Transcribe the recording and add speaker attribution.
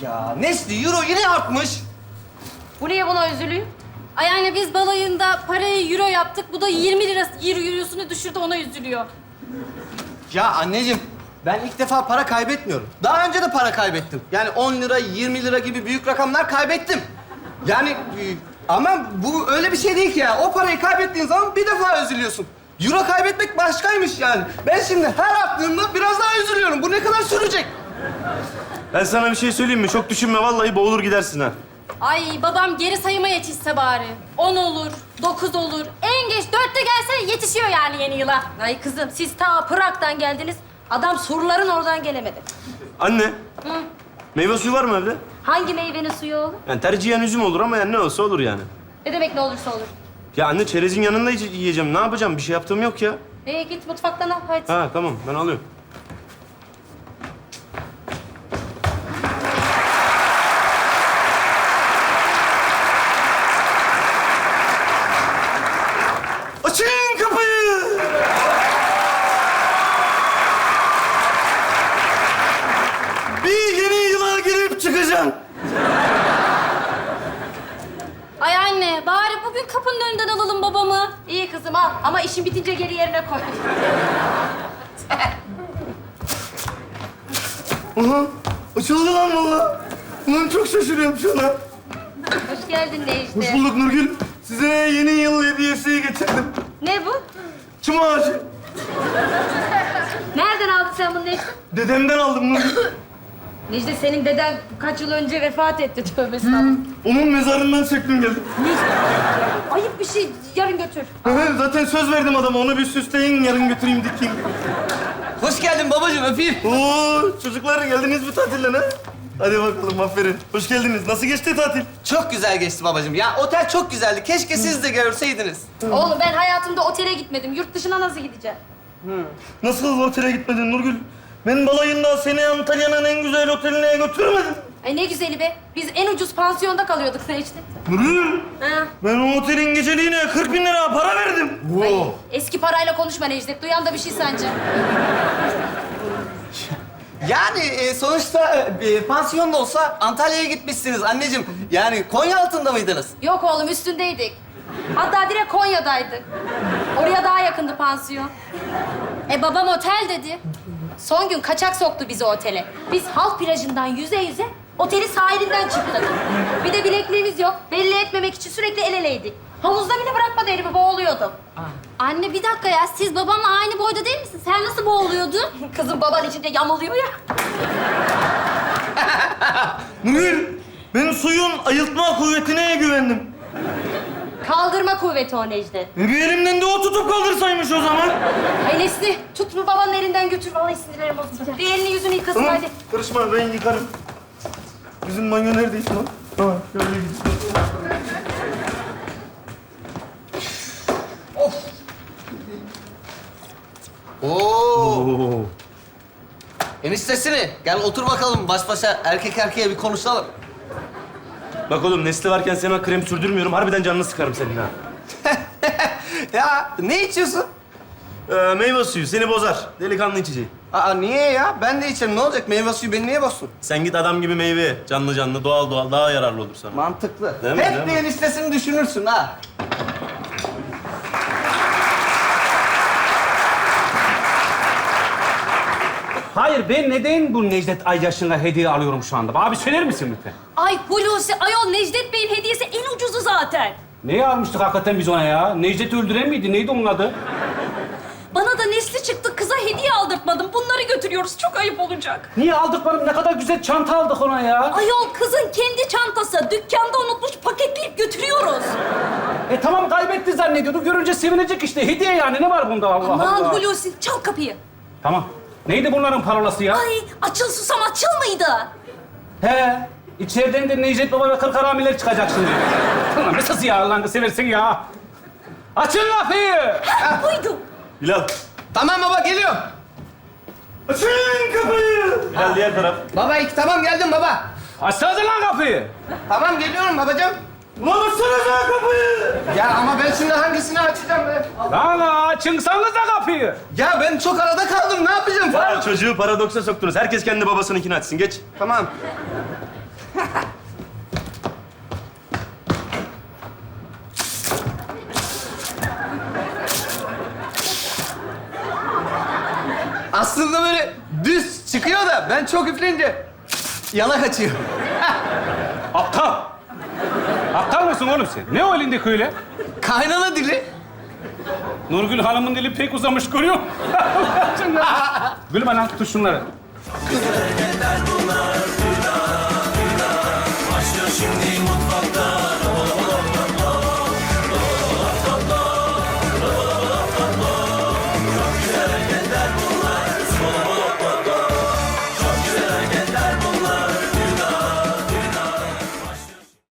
Speaker 1: Ya Nesli, euro yine artmış.
Speaker 2: Bu niye buna üzülüyor?
Speaker 3: Ay yani biz balayında parayı euro yaptık. Bu da 20 lira eurosunu düşürdü, ona üzülüyor.
Speaker 1: Ya anneciğim, ben ilk defa para kaybetmiyorum. Daha önce de para kaybettim. Yani 10 lira, 20 lira gibi büyük rakamlar kaybettim. Yani ama bu öyle bir şey değil ki ya. O parayı kaybettiğin zaman bir defa üzülüyorsun. Euro kaybetmek başkaymış yani. Ben şimdi her attığımda biraz daha üzülüyorum. Bu ne kadar sürecek?
Speaker 4: Ben sana bir şey söyleyeyim mi? Çok düşünme, vallahi boğulur gidersin ha.
Speaker 3: Ay babam geri sayıma yetişse bari. 10 olur, 9 olur. En geç 4'te gelse yetişiyor yani yeni yıla.
Speaker 2: Ay kızım, siz ta Prag'dan geldiniz. Adam surların oradan gelemedi.
Speaker 4: Anne, meyve suyu var mı evde?
Speaker 2: Hangi meyvenin suyu oğlum?
Speaker 4: Yani tercihen üzüm olur ama yani ne olsa olur yani.
Speaker 2: Ne demek ne olursa olur.
Speaker 4: Ya anne, çerezin yanında yiyeceğim. Ne yapacağım? Bir şey yaptığım yok ya.
Speaker 2: Git mutfaktan al hadi.
Speaker 4: Ha tamam, ben alıyorum. Açın kapıyı! Bir yeni yıla girip çıkacağım.
Speaker 3: Ay anne, bari bugün kapının önünden alalım babamı.
Speaker 2: İyi kızım al ama işin bitince geri yerine koy.
Speaker 4: Aha, açıldı lan valla. Ulan çok şaşırıyorum şu an.
Speaker 2: Hoş geldin Necdet.
Speaker 4: Hoş bulduk Nurgül. Size yeni yıl hediyesi getirdim.
Speaker 2: Ne bu?
Speaker 4: Çam ağacı.
Speaker 2: Nereden aldın sen bunu Necdet?
Speaker 4: Dedemden aldım Nurgül.
Speaker 2: Necdet senin deden kaç yıl önce vefat etti tövbe estağfurullah.
Speaker 4: Onun mezarından çektim geldim.
Speaker 2: Ayıp bir şey yarın götür.
Speaker 4: Zaten söz verdim adama. Onu bir süsleyin, yarın götüreyim dikeyim.
Speaker 1: Hoş geldin babacığım, öpeyim.
Speaker 4: Oo, çocuklar geldiniz mi tatilden ha? Hadi bakalım, aferin. Hoş geldiniz. Nasıl geçti tatil?
Speaker 1: Çok güzel geçti babacığım. Ya otel çok güzeldi. Keşke siz de görseydiniz.
Speaker 3: Oğlum ben hayatımda otele gitmedim. Yurt dışına nasıl gideceğim?
Speaker 4: Nasıl otele gitmedin Nurgül? Ben balayında seni Antalya'nın en güzel oteline götürmedim.
Speaker 3: Ay ne güzeli be. Biz en ucuz pansiyonda kalıyorduk Necdet.
Speaker 4: Nurgül,
Speaker 2: Ha.
Speaker 4: ben o otelin geceliğine 40 bin lira para verdim.
Speaker 3: Ay, eski parayla konuşma Necdet. Duyan da bir şey sence.
Speaker 1: Yani sonuçta pansiyon da olsa Antalya'ya gitmişsiniz anneciğim. Yani Konya altında mıydınız?
Speaker 3: Yok oğlum, üstündeydik. Hatta direkt Konya'daydık. Oraya daha yakındı pansiyon. Babam otel dedi. Son gün kaçak soktu bizi otele. Biz halk plajından yüze yüze otelin sahilinden çıktık. Bir de bilekliğimiz yok. Belli etmemek için sürekli el eleydik. Havuzda bile bırakmadı elimi, boğuluyordum. Anne bir dakika ya, siz babamla aynı boyda değil misin? Sen nasıl boğuluyordun?
Speaker 2: Kızım baban içinde yamuluyor ya.
Speaker 4: Nurgül, ben suyun ayıltma kuvvetine güvendim.
Speaker 2: Kaldırma kuvveti o Necdet.
Speaker 4: Bir elimden de o tutup kaldırsaymış o zaman.
Speaker 2: Ay Nesli, tut bu babanın elinden götür. Vallahi sinirlerim bozulacak. Bir elini yüzünü yıkasın
Speaker 4: Tamam,
Speaker 2: hadi.
Speaker 4: karışma, ben yıkarım. Bizim banyo neredeyse lan? Tamam, şöyle gidelim.
Speaker 1: Oo. Eniştesini. Gel otur bakalım baş başa erkek erkeğe bir konuşalım.
Speaker 4: Bak oğlum, Nesli varken sana krem sürdürmüyorum. Harbiden canını sıkarım senin ha.
Speaker 1: Ya ne içiyorsun?
Speaker 4: Meyve suyu seni bozar. Delikanlı içeceği.
Speaker 1: Aa niye ya? Ben de içerim. Ne olacak? Meyve suyu beni niye bozsun?
Speaker 4: Sen git adam gibi meyve ye. Canlı canlı, doğal doğal. Daha yararlı olur sana.
Speaker 1: Mantıklı.
Speaker 4: Değil mi,
Speaker 1: Hep
Speaker 4: değil
Speaker 1: de
Speaker 4: mi?
Speaker 1: eniştesini düşünürsün ha.
Speaker 5: Hayır, ben neden bu Necdet Ayyaş'ına hediye alıyorum şu anda? Abi söyler misin lütfen?
Speaker 3: Ay Hulusi, ayol Necdet Bey'in hediyesi en ucuzu zaten.
Speaker 5: Neyi almıştık hakikaten biz ona ya? Necdet'i öldüren miydi? Neydi onun adı?
Speaker 3: Bana da Nesli çıktı, kıza hediye aldırtmadım. Bunları götürüyoruz, çok ayıp olacak.
Speaker 5: Niye aldıklarım? Ne kadar güzel çanta aldık ona ya.
Speaker 3: Ayol kızın kendi çantası. Dükkanda unutmuş, paketleyip götürüyoruz.
Speaker 5: Tamam, kaybetti zannediyordu. Görünce sevinecek işte. Hediye yani. Ne var bunda Allah
Speaker 3: Aman
Speaker 5: Allah?
Speaker 3: Hulusi, çal kapıyı.
Speaker 5: Tamam. Neydi bunların parolası ya?
Speaker 3: Ay, açıl susam açıl mıydı?
Speaker 5: He. İçeriden de Necdet Baba ve kırk haramiler çıkacak şimdi. Ulan nasıl ya Allah'ını seversin ya? Açın kapıyı!
Speaker 3: Ha, buydu.
Speaker 4: Bilal.
Speaker 1: Tamam baba geliyorum.
Speaker 4: Açın kapıyı. Bilal diğer taraf.
Speaker 1: Baba tamam geldim baba.
Speaker 5: Açsanıza lan kapıyı!
Speaker 1: Tamam geliyorum babacığım.
Speaker 4: Ulan açsana kapıyı.
Speaker 1: Ya ama ben şimdi hangisini açacağım be?
Speaker 5: Lan açınsanıza kapıyı!
Speaker 1: Ya ben çok arada kaldım. Ne yapacağım?
Speaker 4: Ya çocuğu paradoksa soktunuz. Herkes kendi babasınınkini açsın. Geç.
Speaker 1: Tamam. Aslında böyle düz çıkıyor da ben çok üfleyince yana kaçıyor.
Speaker 5: Aptal. Aptal mısın oğlum sen? Ne o elindeki öyle?
Speaker 1: Kaynana dili.
Speaker 5: Nurgül Hanım'ın dili pek uzamış görüyor musun? Gülme lan, tut şunları.
Speaker 6: Başlıyor şimdi mutlu